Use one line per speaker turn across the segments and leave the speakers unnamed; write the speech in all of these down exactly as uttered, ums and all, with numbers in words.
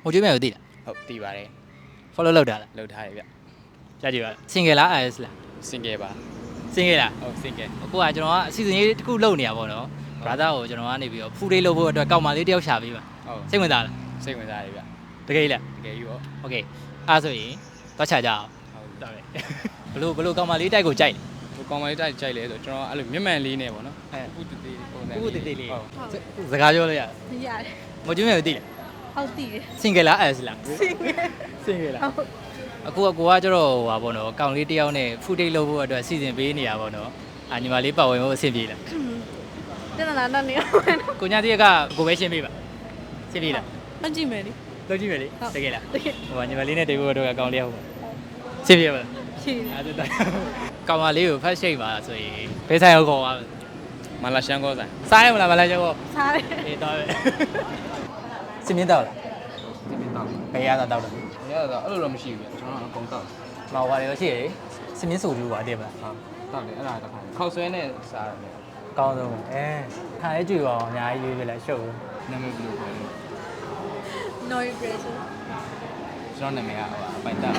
ဟိုကျွေးမယ်ကိုသိလား
ဟုတ်တည်ပါတယ်
follow လုပ်တာလား
လှုပ်ထားရဗျ
ကြားကြည့်ပါ single လား is လား
single ပါ
single လား
ဟုတ် single
အခုကကျွန်တော်ကအစီအစဉ်လေးတစ်ခုလုပ်နေရပါတော့ brother ကိုကျွန်တော်ကနေပြီးတော့ဖူးလေးလုပ်ဖို့အတွက်ကောက်မလေးတယောက်ရှာပေးပါ
ဟုတ်
စိတ်ဝင်စားလား
စိတ်ဝင်စားရဗျ
တကယ်လား
တကယ်ယူရော
okay အားဆိုရင်သွားချကြအောင်
ဟုတ်
တော်တယ်ဘလို့ဘလို့ကောက်မလေးတိုက်ကိုကြိုက်တယ်
ဟိုကောင်မလေးတိုက်ကြိုက်လဲဆိုကျွန်တော်အဲ့လိုမျက်မှန်လေးနဲ့ပေါ့နော်
အဲ
ဥတသေးပုံစံ
ခုခုတေးသေးလေး
ဟုတ်
စကားပြောလို့ရ
ရတယ်
ငိုကျွေးမယ်ကိုသိလား
ဟုတ်တည်တယ်
single လား is လား
single
single လား
ဟုတ်
အခုကကိုကကျတော့ဟိုပါပေါ့နော်ကောင်လေးတယောက်နဲ့ဖူးတိတ်လုပ်ဖို့အတွက်စီစဉ်ပေးနေရပါတော့အာညီမလေးပတ်ဝန်းဖို့အဆင်ပြေလား
တနလာတော့နေအောင်
ကိုညာတိကကိုပဲရှင်းပေးပါရှင်းပေးလား
မကြည့်မယ်လေ
လုပ်ကြည့်မယ်လေတကယ်လား
တကယ်
ဟိုညီမလေးနဲ့တေဖို့တော့ကောင်လေးဟုတ်ပါရှင်းပြပါလား
ရှိတယ်
အဲ့ဒါကောင်မလေးကို first shape ပါဆိုရင်ဘယ်ဆိုင်ရောက်ခေါ်ပါ
မလာရှန်ကောဆိုင်
စားရမလားမလားကျော်
စားတယ်
အေးတော့စင်းမြင့်တော့လား
ဒီမင်းတောက်
ဘယ်ရတာတော့တယ်
ရတော့အဲ့လိုတော့မရှိဘူးဗျကျွန်တော်အကုန်တောက်
မော်ပါလေရှိရစင်းမြင့်ဆိုကြည့်ပါတည်းမလား
ဟုတ်တောက်တယ်အဲ့ဒါတစ်ခါခောက်ဆွဲနဲ့စားရတယ်
ကောင်းဆုံးအဲခါလေးကြည့်ပါအောင်အများကြီးရွေးပြလိုက်ရှုပ်
နာမည်ဘယ်လိုခေါ်လဲ
no impression
ကျွန်တော်နာမည်ကဟိုအပိုင်တက်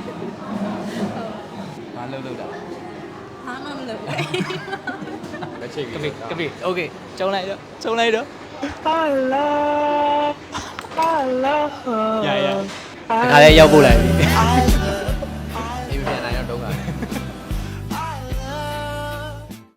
ဘာလုပ်လို့တာ
ဟာမမလို့
လက်ချိတ်
ကပိကပိโอเคကျုံလိုက်တော့ကျုံလိုက်တော့
ဟာလာဟာလာ
ရရတခါလေးရောက်ပို့လိုက်ပြီ